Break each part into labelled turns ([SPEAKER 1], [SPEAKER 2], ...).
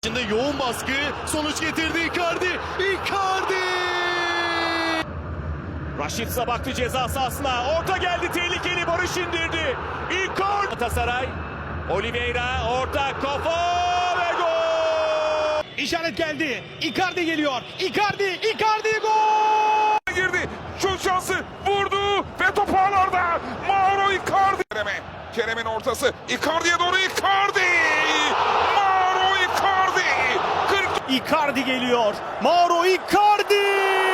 [SPEAKER 1] Şimdi yoğun baskı sonuç getirdi Icardi. Icardi!
[SPEAKER 2] Rashica baktı ceza sahasına. Orta geldi, tehlikeli, Barış indirdi. Icardi. Galatasaray. Oliveira orta, kafa ve gol.
[SPEAKER 3] İşaret geldi. Icardi geliyor. Icardi gol!
[SPEAKER 4] Girdi. Şut şansı vurdu ve top ağlarda. Mauro Icardi. Kerem'in ortası. Icardi'ye doğru Icardi. Mauro Icardi.
[SPEAKER 3] Icardi geliyor. Mauro Icardi!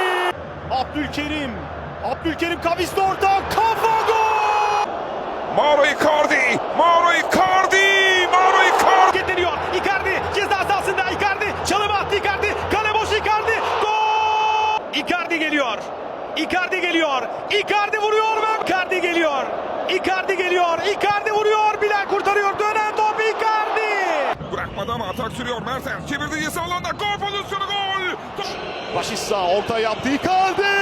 [SPEAKER 3] Abdülkerim kavisli orta, kafa gol!
[SPEAKER 4] Mauro Icardi.
[SPEAKER 3] Getiriyor. Icardi ceza sahasında. Icardi çalım attı. Icardi kale boş. Icardi gol! Icardi geliyor. Icardi vuruyor ve Icardi vuruyor. Bilal kurtarıyor. Dönen top Icardi.
[SPEAKER 4] Bırakmadı ama atak sürüyor. Mertens çevirdi ceza alanda. Gol pozisyonu, gol.
[SPEAKER 1] Rashica orta yaptı Icardi!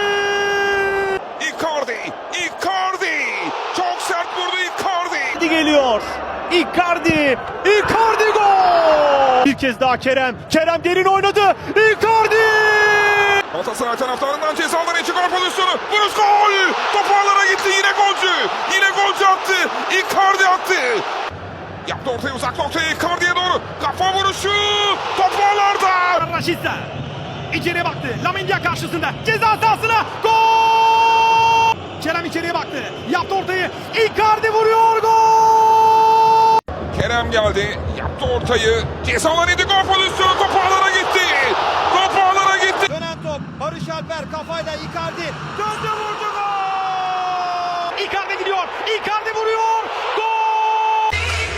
[SPEAKER 4] Icardi. Çok sert vurdu Icardi.
[SPEAKER 3] Geliyor. Icardi gol! Bir kez daha Kerem derin oynadı. Icardi!
[SPEAKER 4] Galatasaray taraftarından ceza alanı içi gol pozisyonu. Vuruş, gol. Top ağlara gitti. Yine golcü attı. Icardi attı. Yaptı ortaya, uzak noktaya Icardi'ye doğru. Kafa vuruşu. Top ağlarda.
[SPEAKER 3] Rashica içeriye baktı. Lamindia karşısında. Ceza sahasına. Gol! Kerem içeriye baktı. Yaptı ortayı. Icardi vuruyor. Gol!
[SPEAKER 4] Kerem geldi. Yaptı ortayı. Ceza alanı içi gol pozisyonu. Top ağlara gitti.
[SPEAKER 3] Dönen top. Barış Alper kafayla Icardi. Döndü vurdu. Gol! Icardi gidiyor. Icardi vuruyor. Gol!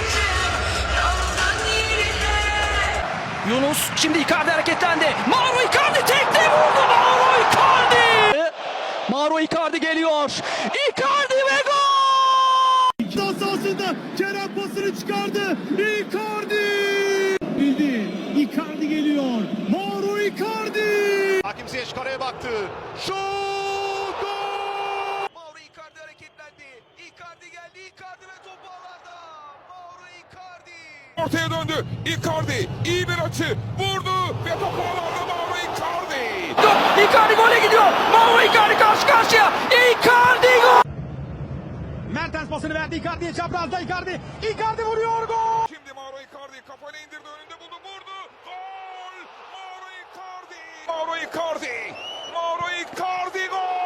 [SPEAKER 5] Yunus şimdi Icardi hareketlendi. Mauro Icardi tekte vurdu. Mauro Icardi geliyor. Icardi ve gol!
[SPEAKER 3] Ceza sahasında Kerem pasını çıkardı. Icardi! Bildi. Icardi geliyor. Mauro Icardi!
[SPEAKER 1] Hakim Ziyech kareye baktı. Şut! Gol!
[SPEAKER 6] Mauro Icardi hareketlendi. Icardi geldi. Icardi ve top ağlarda. Mauro Icardi.
[SPEAKER 4] Ortaya döndü. Icardi iyi bir açı. Vurdu ve top ağlarda. Mauro Icardi.
[SPEAKER 5] Icardi gole gidiyor. Mauro Icardi karşı karşıya. Icardi gol!
[SPEAKER 3] Mertens pasını verdi Icardi'ye, çaprazda Icardi. Icardi vuruyor, gol!
[SPEAKER 4] Şimdi Mauro Icardi kafayla indirdi, önünde buldu, vurdu. Gol! Mauro Icardi gol!